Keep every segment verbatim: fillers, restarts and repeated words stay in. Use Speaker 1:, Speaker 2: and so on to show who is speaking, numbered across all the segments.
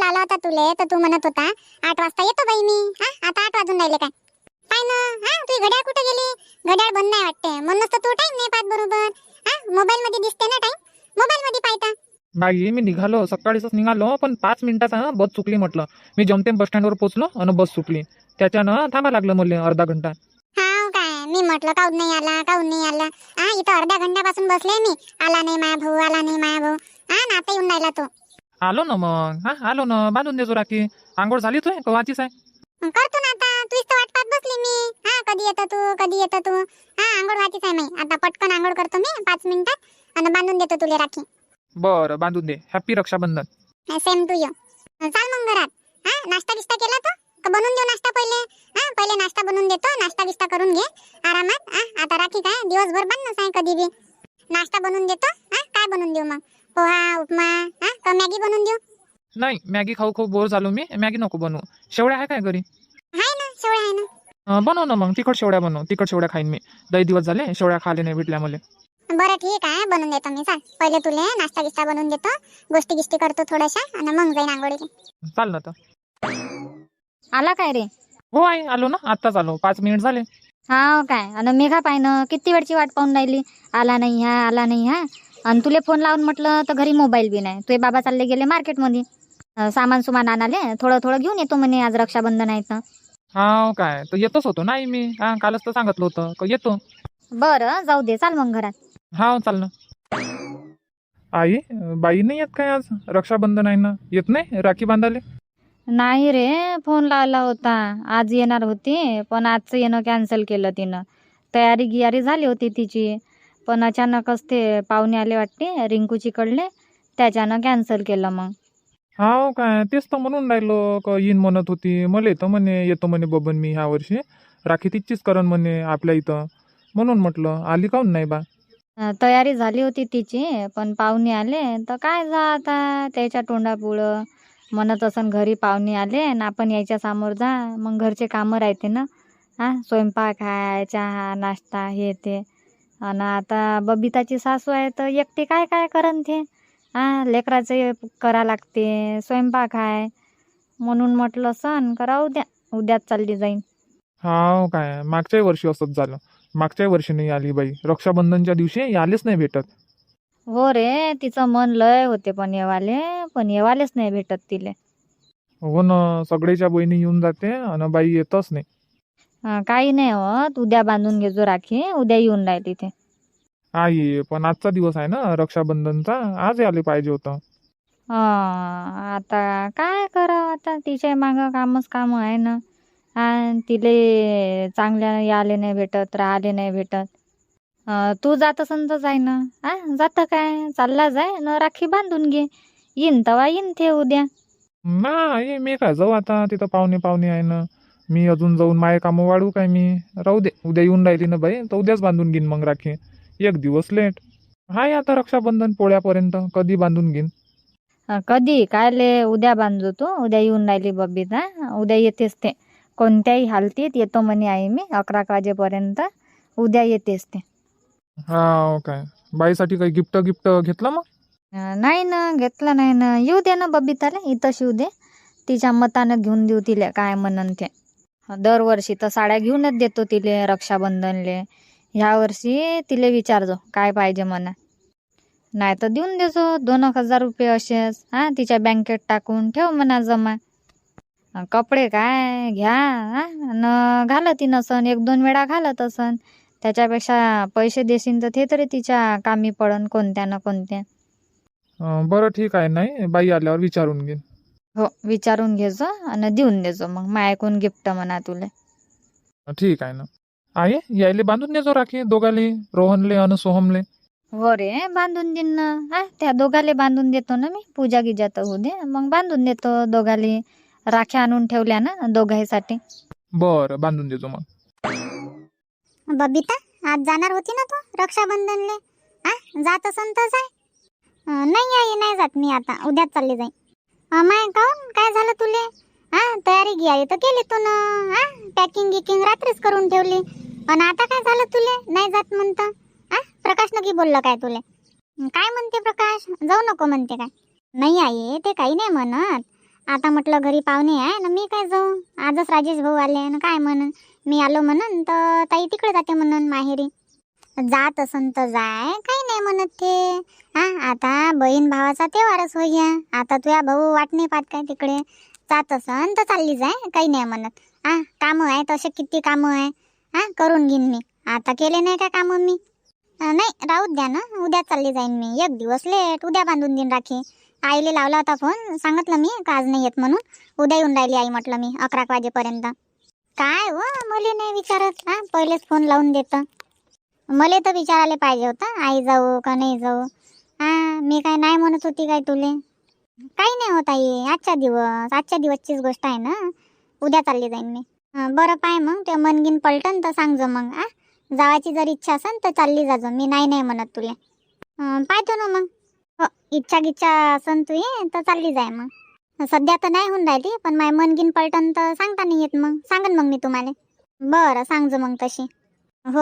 Speaker 1: लावला होता तुले तर तू म्हणत होता आठ वाजता येतो बाई मी. हा आता आठ वाजून राहिले काय? पाय ना, हा तुझी घड्याळ कुठे गेली? घड्याळ बंद नाही वाटते म्हणूनच तर तू टाइम नाही पाहत बरोबर. हा मोबाईल मध्ये दिसते ना टाइम, मोबाईल मध्ये पाहता.
Speaker 2: बाई मी निघालो सकाळीच निघालो, पण पाच मिनिटाचा हं, बस चुकली म्हटलं. मी जमतेम बस स्टँडवर पोहोचलो आणि बस सुटली. त्याच्यानं थांबा लागलं मला अर्धा घंटा.
Speaker 1: हा काय मी म्हटलं काऊन नाही आला काऊन नाही आला. हा इथं अर्ध्या घंट्यापासून बसले मी. आला नाही माया भाऊ, आला नाही माया भाऊ. हा ना आता येऊन राहिला तो.
Speaker 2: आलो ना मग, हा आलो ना, बांधून देतो राखी. आंघोळ झाली तुय कवाचीच आहे?
Speaker 1: करतो ना आता, तूच तर वाट पाहत बसली मी. हा कधी येतो तू कधी येतो तू. हा आंघोळ व्हायचीच आहे मी आता, पटकन आंघोळ करतो मी पाच मिनिटात आणि बांधून देतो तुला राखी.
Speaker 2: बरं बांधून दे. Happy Rakshabandhan.
Speaker 1: Same to you. चाल मग घरात. हा नाश्ता बिस्टा केला तो का बनवून देऊ नाश्ता पहिले? हा पहिले नाश्ता बनवून देतो, नाश्ता बिस्टा करून घे आरामात. हा आता राखी काय दिवसभर बनणंच आहे कधी बी. नाश्ता बनवून देतो. हा काय बनवून देऊ मग? पोहा उपमा हा का मॅगी बनवून देऊ?
Speaker 2: नाही मॅगी खाऊ खूप बोर झालो मी, मॅगी नको बनवू. शेवड्या आहे काय घरी?
Speaker 1: आहे ना शेवळ्या आहे ना.
Speaker 2: अं, बनव ना मग, तिखट शेवड्या बनव. तिखट शेवड्या खाईन मी. लई दिवस झाले शेवड्या खाले नाही भेटल्या मला.
Speaker 1: बरं ठीक आहे बनवून देतो मी. चाल पहिले तुले नाश्ता बिस्टा बनवून देतो, गोष्टी गिष्टी करतो थोड्याशा आणि मग जाईन आंघोळीला.
Speaker 2: चाल ना तर.
Speaker 3: आला काय रे?
Speaker 2: हो आई आलो ना, आत्ताच आलो, पाच मिनिट झाले.
Speaker 3: हा काय? आणि मेघा पाय ना किती वेळची वाट पाहून राहिली. आला नाही हा आला नाही हा. आणि तुले फोन लावून म्हटलं तर घरी मोबाईल बी नाही. तुझे बाबा चालले गेले मार्केटमध्ये अं, सामान सुमान आणाले. थोडं थोडं घेऊन येतो म्हणे, आज रक्षाबंधन आहे तर.
Speaker 2: हा काय तर येतच होतो नाही मी. हा कालच तर सांगितलं होतं का येतो.
Speaker 3: बरं जाऊ दे, चाल मग घरात.
Speaker 2: हा चाल ना. आई बाई नाही येत काय आज? रक्षाबंधन आहे ना, येत नाही राखी बांधाले?
Speaker 3: नाही रे, फोन लावला होता. आज येणार होती पण आजचं येणं कॅन्सल केलं तिनं. तयारी गियारी झाली होती तिची, पण अचानकच ते पाहुणे आले वाटते रिंकूची कडले, त्याच्यानं कॅन्सल केलं मग.
Speaker 2: हा काय तेच तर म्हणून राहिलो का येईन म्हणत होती. मला येतं म्हणे, येतो म्हणे बबन मी ह्या वर्षी. राखी तिचीच करण म्हणे आपल्या इथं. म्हणून म्हटलं आली काऊन नाही बा?
Speaker 3: अं, तयारी झाली होती तिची, पण पाहुणे आले तर काय जा आता त्याच्या तोंडापुढं. म्हणत असन घरी पाहुणे आले ना आपण यायच्या समोर जा, मग घरचे कामं राहते ना. हा स्वयंपाक आहे, चहा नाश्ता हे ते. आणि आता बबिताची सासू आहे तर एकटी काय काय करन ते. हा लेकराचं करा लागते, स्वयंपाक आहे. म्हणून म्हटलं सण करा उद्या, उद्याच चालली जाईन.
Speaker 2: हा काय मागच्याही वर्षी असंच झालं. मागच्याही वर्षी नाही आली बाई. रक्षाबंधनच्या दिवशी आलीच नाही भेटत.
Speaker 3: हो रे, तिचं मन लय होते पण येवाले, पण येवालेच नाही भेटत तिले.
Speaker 2: हो ना, सगळेच्या बहिणी येऊन जाते आणि बाई येतच नाही.
Speaker 3: अं, काही नाही होत, उद्या बांधून घेजो राखी, उद्या येऊन राहील तिथे.
Speaker 2: आई पण आजचा दिवस आहे ना रक्षाबंधनचा, आज आले पाहिजे होतं.
Speaker 3: हा आता काय करावं, आता तिच्या मागं कामच काम आहे ना. हा तिले चांगल्या याले नाही भेटत, राहिले नाही भेटत. अं, तू जात असन तर जाय ना. हा जातं काय, चालला जाय न राखी बांधून घे. येईन तवा येईन ते उद्या.
Speaker 2: नाही मी काय जाऊ आता, तिथं पाहुणे पाहुणे आहे ना. मी अजून जाऊन माये कामं वाढू काय मी? राहू दे, उद्या येऊन राहिली ना बाई तर उद्याच बांधून घेईन मग राखी. एक दिवस लेट हाय आता रक्षाबंधन पोळ्यापर्यंत, कधी बांधून घेईन.
Speaker 3: अं, कधी कायले उद्या बांधतो तू, उद्या येऊन राहिली बबिता. उद्या येतेच ते, कोणत्याही हालतीत येतो म्हणे आई मी अकरा वाजेपर्यंत. उद्या येतेच ते.
Speaker 2: हा काय बाईसाठी काही गिफ्ट गिफ्ट घेतलं मग?
Speaker 3: अं, नाही ना घेतलं नाही ना. येऊ दे ना बबिताला, इथं शिव दे. तिच्या मतानं घेऊन देऊ तिले काय म्हणन ते. दरवर्षी तर साड्या घेऊनच देतो तिले रक्षाबंधनले. ह्या वर्षी तिले विचारजो काय पाहिजे म्हणा. नाही तर देऊन देजो दोन एक हजार रुपये असेच. हा तिच्या बँकेत टाकून ठेव म्हणा जमा. अं, कपडे काय घ्या हा न घालत नसन, एक दोन वेळा घालत असन. त्याच्यापेक्षा पैसे देशील तर ते तरी तिच्या कामी पडन कोणत्या ना कोणत्या.
Speaker 2: अं, बरं ठीक आहे, नाही बाई आल्यावर विचारून घेईन.
Speaker 3: हो विचारून घेजो आणि देऊन देजो मग मायकून गिफ्ट म्हणा तुले.
Speaker 2: ठीक आहे ना. आहे यायले बांधून देजो राखी दोघाले, रोहनले आणि सोहमले.
Speaker 3: हो रे बांधून देईन ना. हा त्या दोघाले बांधून देतो ना मी. पूजा गिजा तर होऊ दे, मग बांधून देतो दोघाले. राख्या आणून ठेवल्या ना दोघांसाठी.
Speaker 2: बरं बांधून देजो मग.
Speaker 1: बबिता आज जाणार होती ना तू रक्षाबंधनले? हा जात असन तर जाय. अं, नाही आई नाही जात मी आता, उद्याच चालली जाईन. माय काऊन काय झालं तुले? हा तयारी गियारी तर केली तू ना. हा पॅकिंग गिकिंग रात्रीच करून ठेवली आणि आता काय झालं तुले नाही जात म्हणतं? हा प्रकाश नक्की बोललं काय तुले? काय म्हणते प्रकाश? जाऊ नको म्हणते काय? नाही आई ते काही नाही म्हणत. आता म्हटलं घरी पाहुणे आहे ना, मी काय जाऊ. आजच राजेश भाऊ आले ना, काय म्हणन मी आलो म्हणन तर ताई तिकडे जाते म्हणन माहेरी. जात असन तर जाय, काही नाही म्हणत ते. हा आता बहीण भावाचा तेव्हारच होई. आता तुझ्या भाऊ वाट नाही पाहत काय तिकडे. जात असन तर चालली जाय, काही नाही म्हणत. हा कामं आहे तसे किती कामं आहे. हा करून घेईन मी. आता केले नाही का कामं मी. अं, नाही राहू द्या ना, उद्या चालली जाईन मी. एक दिवस लेट, उद्या बांधून देईन राखी. आईले लावला होता फोन, सांगितलं मी का आज नाही येत म्हणून. उद्या येऊन राहिली आई म्हटलं मी अकरा वाजेपर्यंत. काय व मले नाही विचारत. हा पहिलेच फोन लावून देतं. मले तर विचारायला पाहिजे होतं आई जाऊ का नाही जाऊ. हा मी काय नाही म्हणत होती काय तुले. काही नाही होत आई, आजच्या दिवस आजच्या दिवसचीच गोष्ट आहे ना. उद्या चालली जाईन मी. हं, बरं पाय मग ते मनगिन पलटन तर सांगजो मग. आ जावाची जर इच्छा असेल तर चालली जाजो, मी नाही नाही म्हणत तुले. हं, पाहतो ना मग. हो इच्छा गिच्छा असन तू ये तर चालली जाय मग. सध्या तर नाही होऊन राहिली, पण माय मनगिन पलटन तर सांगता नाही येत. मग सांगन मग मी तुम्हाला. बरं सांगजो मग तशी. हो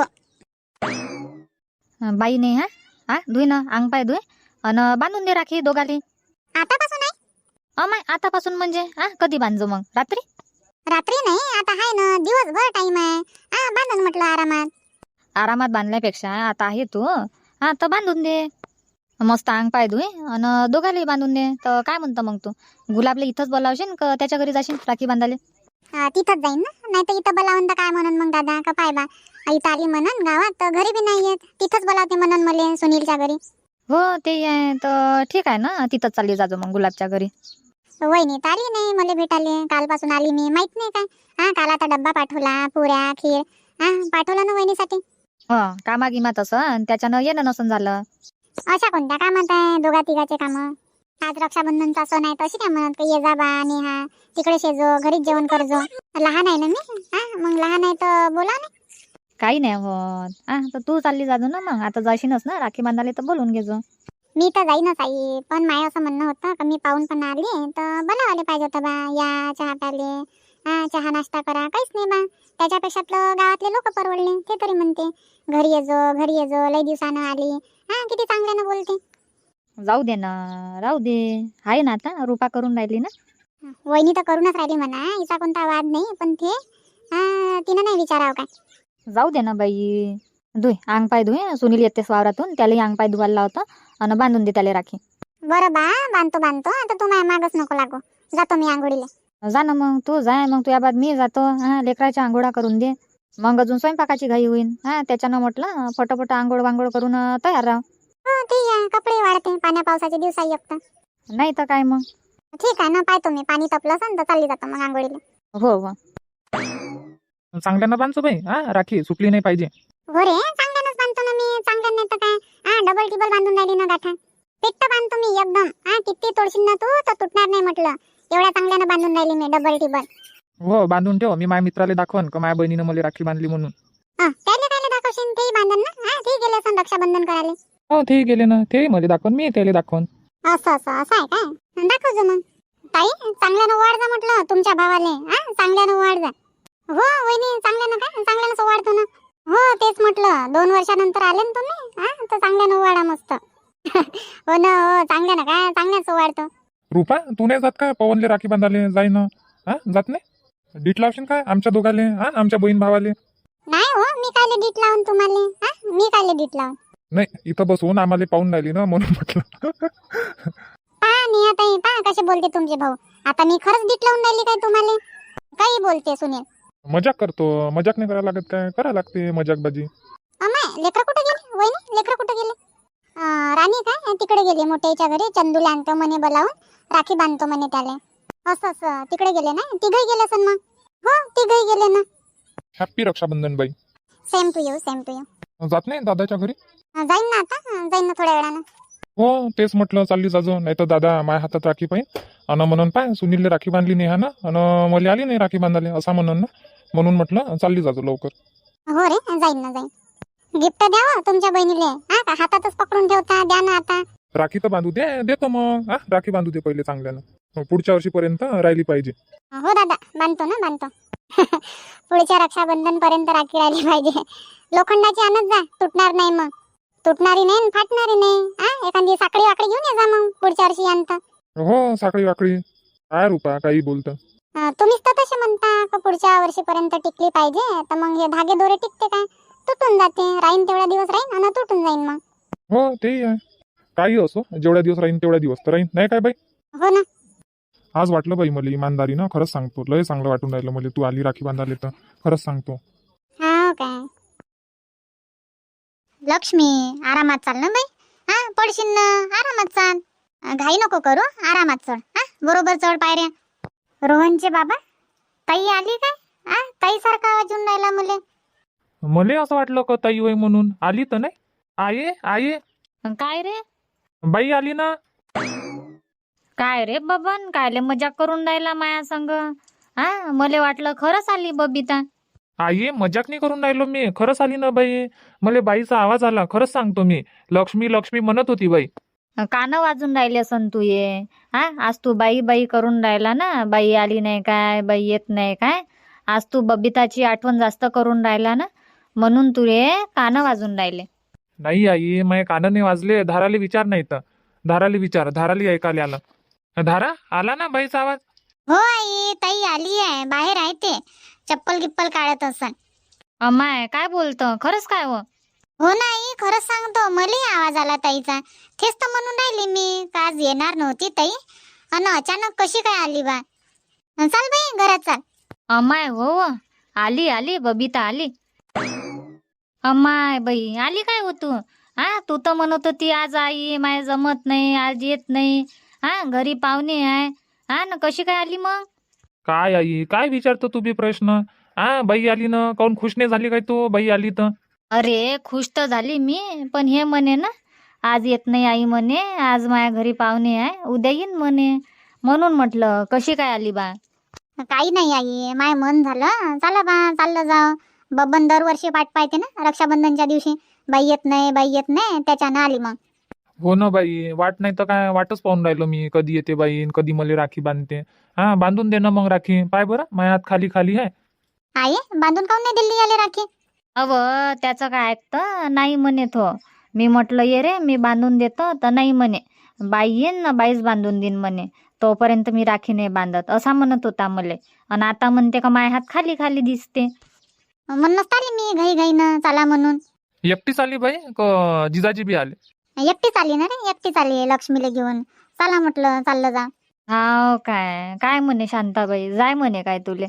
Speaker 3: अं, बाई नाही हा हा धुई ना अंग पाय धुई अन बांधून दे राखी दोघाले.
Speaker 1: आतापासून आहे.
Speaker 3: अमाय आतापासून म्हणजे हा कधी बांधजो मग रात्री.
Speaker 1: रात्री नाही, आता आहे ना दिवसभर टाइम आहे. हा बांधून म्हटलं आरामात.
Speaker 3: आरामात बांधल्यापेक्षा आता आहे तू हा तर बांधून दे. मस्त अंग पाय धुई अन दोघाले बांधून दे. तर काय म्हणतं मग तू गुलाबले इथंच बोलावशील का त्याच्या घरी जाशील राखी बांधाले.
Speaker 1: हा, तिथंच जाईन ना. नाही तर इथं बोलावून तर काय म्हणून मग दादा का पाय बा इथं आली म्हणून गावात तर घरी बी नाही येत. तिथंच बोलावते म्हणून मले सुनीलच्या घरी.
Speaker 3: हो ते आहे तर ठीक आहे ना, तिथंच चालली जाजो मग गुलाबच्या घरी.
Speaker 1: वहिनी तर आली नाही मला भेटाले. कालपासून आली मी, माहित नाही काय. हा काल आता डब्बा पाठवला, पुऱ्या खीर हा पाठवला ना वहिनीसाठी.
Speaker 3: हो कामा गिमात असं त्याच्यानं येणं नसून झालं.
Speaker 1: अशा कोणत्या कामात आहे दोघा तिघाचे कामं. आज रक्षाबंधनचा सण आहे तशी काय म्हणत का ये जा बा नेहा तिकडे शेजो घरीच जेवण करजो. लहान आहे ना मी. हा मग लहान आहे तर बोला ना.
Speaker 3: काही नाही होत हा तर तू चालली जाजो ना मग. आता जाशीनच ना राखी बांधाले तर बोलून घेजो.
Speaker 1: मी तर जाईनच आई, पण माय असं म्हणणं होतं का मी पाहून पण आली तर बोलावाले पाहिजे होतं बा. या चहा प्याले, हा चहा नाश्ता करा, काहीच नाही बा. त्याच्यापेक्षा आपलं गावातले लोक परवडले. ते तरी म्हणते घरी येजो घरी येजो लई दिवसानं आली. हा किती चांगल्यानं बोलते.
Speaker 3: जाऊ दे ना राहू दे. आहे ना आता रुपा करून राहिली ना.
Speaker 1: वहिनी तर करूनच राहिली म्हणा, हिचा कोणता वाद नाही. पण ते हा तिनं नाही विचारावं काय.
Speaker 3: जाऊ दे ना बाई. धुई अंग पाय धुई. सुनील येतेस वावरातून त्यालाही अंग पाय धुवायला लावता आणि बांधून दे त्याला राखी.
Speaker 1: बरं बा बांधतो बांधतो. आता तू माझ्या मागच नको लागो. जातो मी आंघोळीला.
Speaker 3: जा ना मग तू जाय मग तुझ्या बाद मी जातो. हा लेकराच्या आंघोळा करून दे मग अजून स्वयंपाकाची घाई होईल. हा त्याच्यानं म्हटलं फटाफट आंघोळ वांघोळ करून अं, तयार राह.
Speaker 1: हो ठीक आहे, कपडे वाळते पाण्या पावसाचे दिवस एकता.
Speaker 3: नाही तर काय मग.
Speaker 1: ठीक आहे ना, पाहतो मी पाणी तपलं असेल तर चालली जातो मग आंघोळीला.
Speaker 3: हो हो
Speaker 2: चांगल्यानं बांधतो बाई. हा राखी सुटली नाही पाहिजे.
Speaker 1: हो रे चांगल्यानंच बांधतो ना मी. चांगल्यानं नाही तर काय. हा डबल टिबल बांधून राहिली ना गाठा. पेट्ट बांधतो मी एकदम. हा किती तोडशील ना तू तर तुटणार नाही म्हटलं. एवढ्या चांगल्यानं बांधून राहिली मी डबल टिबल.
Speaker 2: हो बांधून ठेव. मी माझ्या मित्राला दाखवन का माझ्या बहिणीनं मला राखी बांधली म्हणून.
Speaker 1: हा त्याले कायले दाखवशील, तेही बांधन ना. हा ते गेले असं रक्षाबंधन करायला.
Speaker 2: हो ते गेले ना, ते मला दाखवन मी त्याला दाखवन.
Speaker 1: असं असं असं आहे काय. दाखवજો मग. ताई चांगल्यानं वाढ जा म्हटलं तुमच्या भावाले. हा चांगल्यानं वाढ जा. हो वहिनी चांगल्यानं काय चांगल्यानं वाढतो ना. हो तेच म्हटलं दोन वर्षानंतर आले ना तुम्ही. हा तर चांगल्यानं वाढा मस्त. हो ना हो चांगल्यानं काय चांगल्याच वाढतो.
Speaker 2: रुपा तू नाही जात काय पवनले राखी बांधाले जाई ना. हा जात नाही. डीट लावशील काय आमच्या दोघाले. हा आमच्या बहीण भावाले.
Speaker 1: नाही हो मी कायले डीट लावून तुम्हाला. हा मी कायले डीट लावून.
Speaker 2: नाही इथं बसून आम्हाला पाहून राहिली ना म्हणून म्हटलं.
Speaker 1: पहा नेहा ताई पहा कसे बोलते तुमचे भाऊ. आता मी खरंच डीट लावून राहिली काय तुम्हाला. काही बोलते सुनील.
Speaker 2: मजाक करतो. मजाक नाही करायला लागत काय. करा लागते मजाक बाजी.
Speaker 1: अमाय लेकरं कुठे गेले वहिनी. लेकरं कुठे गेले. अं, राणी काय तिकडे गेली मोठ्याच्या घरी. चंदूला आणतो म्हणे बोलावून राखी बांधतो म्हणे त्याला. असं असं तिकडे गेले ना. तिघही गेले असन मग. हो तिघही गेले ना.
Speaker 2: हॅप्पी रक्षाबंधन बाई.
Speaker 1: Same to you same to you.
Speaker 2: जात नाही दादाच्या घरी.
Speaker 1: जाईन ना आता. जाईन ना थोड्या वेळानं.
Speaker 2: हो तेच म्हटलं चालली जाजो. नाही तर दादा माझ्या हातात राखी पाहिजे अन म्हणून पाय सुनीलने राखी बांधली नाही हा ना. अन मला आली नाही राखी बांधाले असा म्हणून ना. म्हणून म्हटलं चालली जाजो लवकर.
Speaker 1: हो रे जाईन ना जाईन. गिफ्ट द्यावं तुमच्या बहिणीले. हा का हातातच पकडून ठेवता. द्या ना आता.
Speaker 2: राखी तर बांधू दे. देतो मग. हा राखी बांधू दे पहिले चांगल्यानं. पुढच्या वर्षीपर्यंत राहिली पाहिजे.
Speaker 1: हो दादा बांधतो ना बांधतो. पुढच्या रक्षाबंधन पर्यंत राखी राहिली पाहिजे. लोखंडाची आणत जा तुटणार नाही मग. तुटणारी नाही फाटणारी नाही. हा एखादी साखळी वाकडी घेऊन ये जा मग पुढच्या वर्षी आणता.
Speaker 2: हो साखळी वाकडी काय रुपा काही बोलतं.
Speaker 1: अं, तुम्हीच तर तसे म्हणता का पुढच्या वर्षीपर्यंत टिकली पाहिजे, तर मग हे धागे दोरे टिकते काय? तुटून जाते, राहीन तेवढा दिवस राहीन आणि तुटून जाईन मग.
Speaker 2: हो तेही आहे. काही असो, जेवढ्या दिवस राहीन तेवढ्या दिवस तर राहीन, नाही काय बाई?
Speaker 1: हो ना.
Speaker 2: आज वाटलं बाई मला इमानदारी ना, खरंच सांगतो, लय चांगलं वाटून राहिलं मला तू आली राखी बांधायला तर. खरंच सांगतो.
Speaker 1: हा काय लक्ष्मी, आरामात चाल ना बाई. हा पडशील ना, आरामात चाल. अं, घाई नको करू, आरामात चढ. हा बरोबर चढ पायऱ्या. रोहनचे बाबा, ताई आली काय? हा ताई सारखा आवाज येऊन राहिला मुले.
Speaker 2: मला असं वाटलं का ताई होय म्हणून. आली तर नाही? आये आये
Speaker 3: काय रे
Speaker 2: बाई आली ना.
Speaker 3: काय रे बबन, कायले मजाक करून राहिला माया संग? हा मले वाटलं खरंच आली बबिता.
Speaker 2: आई मजाक नाही करून राहिलो मी, खरंच आली ना बाई. मला बाईचा आवाज आला, खरंच सांगतो मी. लक्ष्मी लक्ष्मी म्हणत होती बाई.
Speaker 3: कानं वाजून राहिले असन तू ये. हा आज तू बाई बाई करून राहिला ना, बाई आली नाही काय, बाई येत नाही काय. आज तू बबिताची आठवण जास्त करून राहिला ना, म्हणून तुले कानं वाजून राहिले.
Speaker 2: नाही आई, माझे कानं नाही वाजले. धाराले विचार नाही तर. धाराले विचार, धाराली ऐकायला आलं. धारा आला ना बाईचा आवाज.
Speaker 1: हो आई, ताई आली आहे, बाहेर आहे ते. चप्पल गिप्पल काढत असन.
Speaker 3: अमाय काय बोलतं, खरंच काय हो?
Speaker 1: हो ना आई, खरंच सांगतो, मलाही आवाज आला ताईचा. तेच तर म्हणून राहिली मी का आज येणार नव्हती ताई, आणि अचानक कशी काय आली बा. अन् चाल बाई घरात चाल.
Speaker 3: अमाय हो हो. आली आली बबिता आली. अमाय बाई आली काय हो तू? हा तू तर म्हणत होती आज आई माय जमत नाही, आज येत नाही. हा घरी पाहुणे आहे. हा ना कशी काय आली मग?
Speaker 2: काय आई, काय विचारतो तू बी प्रश्न? हा बाई आली ना, काऊन खुश नाही झाली काय तू बाई आली तर?
Speaker 3: अरे खुश तर झाली मी, पण हे म्हणे ना आज येत नाही आई म्हणे, आज माझ्या घरी पाहुणे आहे, उद्या येईन म्हणे. म्हणून म्हटलं कशी काय आली बा?
Speaker 1: काही नाही आई, माय मन झालं, चला बा चाललं जाव. बबन दरवर्षी पाठ पाहते ना रक्षाबंधनच्या दिवशी, बाई येत नाही बाई येत नाही, त्याच्यानं आली मग.
Speaker 2: हो ना बाई, वाट नाही तर काय, वाटच पाहून राहिलो मी. कधी येते बाई, कधी मला राखी बांधते. हा बांधून दे ना मग राखी. पाय बरं माझ्या हात खाली खाली आहे.
Speaker 1: आई बांधून काऊन नाही दिल्ली आले राखी?
Speaker 3: अव त्याचं काय ऐकतं, नाही म्हणे तो. मी म्हटलं ये रे मी बांधून देतो, तर नाही म्हणे. बाई येईन ना बाईच बांधून देईन म्हणे, तोपर्यंत मी राखी नाही बांधत असा म्हणत होता मले. आणि आता म्हणते का माझ्या हात खाली खाली दिसते.
Speaker 1: म्हणूनच आली मी घाई घाईनं चला म्हणून.
Speaker 2: एकटीच आली बाई का जिजाजी बी आले?
Speaker 1: एकटीच आली ना रे, एकटीच आली लक्ष्मीला घेऊन. चला म्हटलं चाललं जा.
Speaker 3: हाव काय काय म्हणे शांताबाई, जाय म्हणे काय तुले?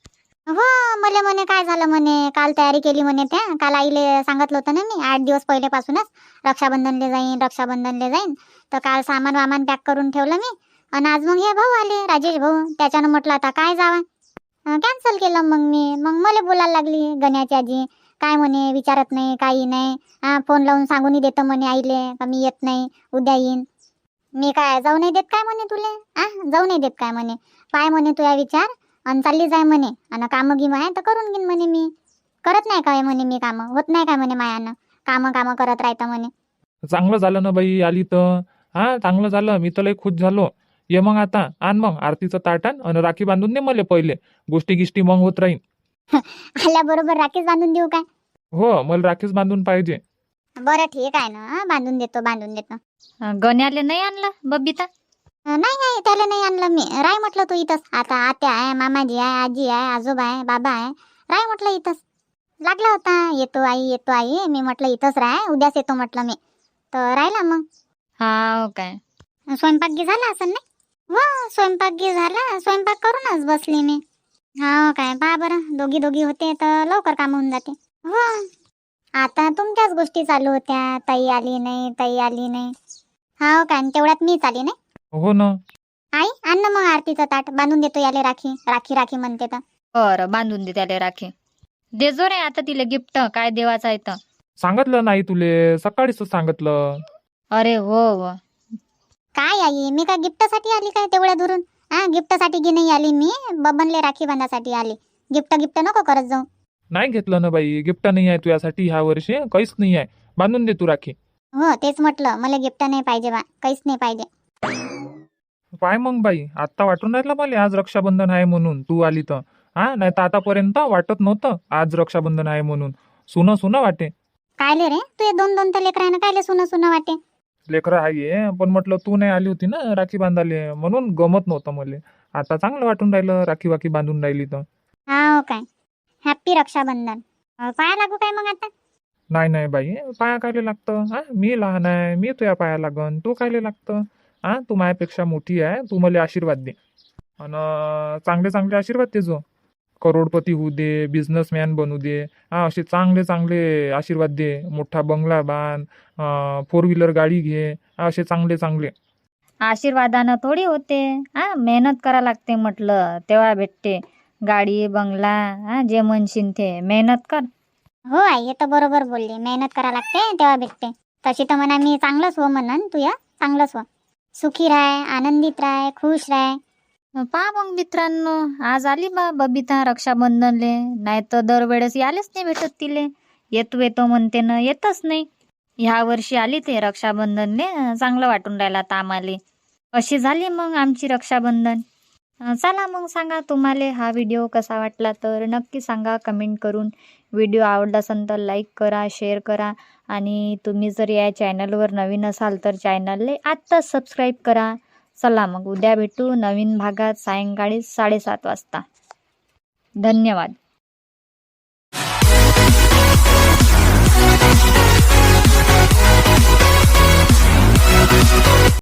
Speaker 1: हो मले म्हणे काय झालं म्हणे, काल तयारी केली म्हणे. त्या काल आईले सांगितलं होतं ना मी, आठ दिवस पहिलेपासूनच रक्षाबंधनले जाईन रक्षाबंधनले जाईन. तर काल सामान वामान पॅक करून ठेवलं मी. आणि आज मग हे भाऊ आले, राजेश भाऊ. त्याच्यानं म्हटलं आता काय जावा, कॅन्सल केलं मग मी. मग मला बोलायला लागली गण्याची आजी, काय म्हणे विचारत नाही काही नाही. हा फोन लावून सांगूनही देतं म्हणे आईले का मी येत नाही, उद्या येईन. मी काय जाऊ नाही देत काय म्हणे तुले? आ जाऊ नाही देत काय म्हणे? पाय म्हणे तुझा विचार आणि चालली जाय म्हणे. आणि कामं गिमं आहे तर करून घेईन म्हणे मी. करत नाही काय म्हणे मी कामं, होत नाही काय म्हणे मायानं, कामं कामं करत राहतं म्हणे.
Speaker 2: चांगलं झालं ना बाई आली तर. हा चांगलं झालं, मी तर लय खुश झालो. ये मग आता आण मग आरतीचं ताट आण आणि राखी बांधून दे मला पहिले. गोष्टी गिष्टी मग होत राहीन.
Speaker 1: आल्याबरोबर राखीच बांधून देऊ काय?
Speaker 2: हो मला राखीच बांधून पाहिजे.
Speaker 1: बरं ठीक आहे ना, बांधून देतो बांधून देतो.
Speaker 3: गण्याले नाही आणलं बबिता?
Speaker 1: नाही नाही त्याला नाही आणलं मी. राय म्हटलं तू इथंच. आता आत्या आहे, मामाजी आहे, आजी आहे, आजोबा आहे, बाबा आहे. राय म्हटलं इथंच. लागला होता येतो आई येतो आई, मी म्हटलं इथंच राय, उद्याच येतो म्हटलं मी. तर राहिला मग.
Speaker 3: हाव काय?
Speaker 1: स्वयंपाक गी झाला असं नाही? हो स्वयंपाक गी झाला, स्वयंपाक करूनच बसली मी. हा काय पहा बरं, दोघी दोघी होते तर लवकर काम होऊन जाते. हो आता तुमच्याच गोष्टी चालू होत्या, ताई आली नाही ताई आली नाही. हा काय तेवढ्यात मीच आली नाही.
Speaker 2: हो ना.
Speaker 1: आई आण ना मग आरतीचं ताट, बांधून देतो याले राखी. राखी राखी म्हणते तर.
Speaker 3: बरं बांधून दे त्याला राखी. दे जो रे आता तिला गिफ्ट, काय देवाचं आहे तर.
Speaker 2: सांगितलं नाही तुले, सकाळीच सांगितलं.
Speaker 3: अरे हो हो.
Speaker 1: काय आई मी काय गिफ्टसाठी आली काय तेवढ्या दुरून? हा गिफ्टसाठी गी नाही आली मी, बबनले राखी बांधासाठी आली. गिफ्ट गिफ्ट नको करत जाऊ.
Speaker 2: नाही घेतलं ना बाई, गिफ्ट नाही आहे तुझ्यासाठी ह्या वर्षी, काहीच नाही आहे. बांधून दे तू राखी.
Speaker 1: हो तेच म्हटलं, मला गिफ्ट नाही पाहिजे बा, काहीच नाही पाहिजे.
Speaker 2: पाय मग बाई, आता वाटून राहिलं मला आज रक्षाबंधन आहे म्हणून तू आली तर. हा नाही तर आतापर्यंत वाटत नव्हतं आज रक्षाबंधन आहे म्हणून. सुनं सुनं वाटे.
Speaker 1: कायले रे तू दोन दोन तर लेकरांना कायले सुनं सुनं वाटे?
Speaker 2: लेकरं आहे पण म्हटलं तू नाही आली होती ना राखी बांधाले, म्हणून गमत नव्हतं मला. आता चांगलं वाटून राहिलं राखी वाखी बांधून राहिली तर.
Speaker 1: हा काय हॅप्पी रक्षाबंधन. अं, पाया लागू काय मग आता?
Speaker 2: नाही नाही बाई, पाया कायले लागतं? हा, मी लहान आहे, मी तुझ्या पाया लागन, तू कायले लागतं? हा, तू माझ्यापेक्षा मोठी आहे, तू मला आशीर्वाद दे आणि चांगले चांगले आशीर्वाद दे जो. करोडपती होऊ दे, बिझनेसमॅन बनू दे, हा असे चांगले चांगले आशीर्वाद दे. मोठा बंगला बांध, फोर व्हीलर गाडी घे, हा, असे चांगले चांगले.
Speaker 3: आशीर्वादानं थोडी होते. हा, मेहनत करा लागते म्हटलं तेव्हा भेटते गाडी बंगला. हा, जे म्हणशील ते मेहनत कर.
Speaker 1: हो आई, हे तर बरोबर बोलली. मेहनत करा लागते तेव्हा भेटते. तशी तर म्हणा मी चांगलंच हो म्हणन, तू या चांगलंच हो. सुखी राह, आनंदित राह, खुश राह.
Speaker 3: पहा मग मित्रांनो, आज आली बा बबिता रक्षाबंधनले. नाही तर दरवेळेस यायलाच नाही भेटत तिले. येतो येतो म्हणते ना, येतच नाही. ह्या वर्षी आली ते रक्षाबंधनले. चांगलं वाटून राहिलं आता आम्हाला. अशी झाली मग आमची रक्षाबंधन. अं, चला मग सांगा तुम्हाला हा व्हिडिओ कसा वाटला तर नक्की सांगा कमेंट करून. व्हिडिओ आवडला असेल तर लाईक करा, शेअर करा आणि तुम्ही जर या चॅनलवर नवीन असाल तर चॅनलले आत्ताच सबस्क्राईब करा. चला मग उद्या भेटू नवीन भागात सायंकाळी साडेसात वाजता. धन्यवाद.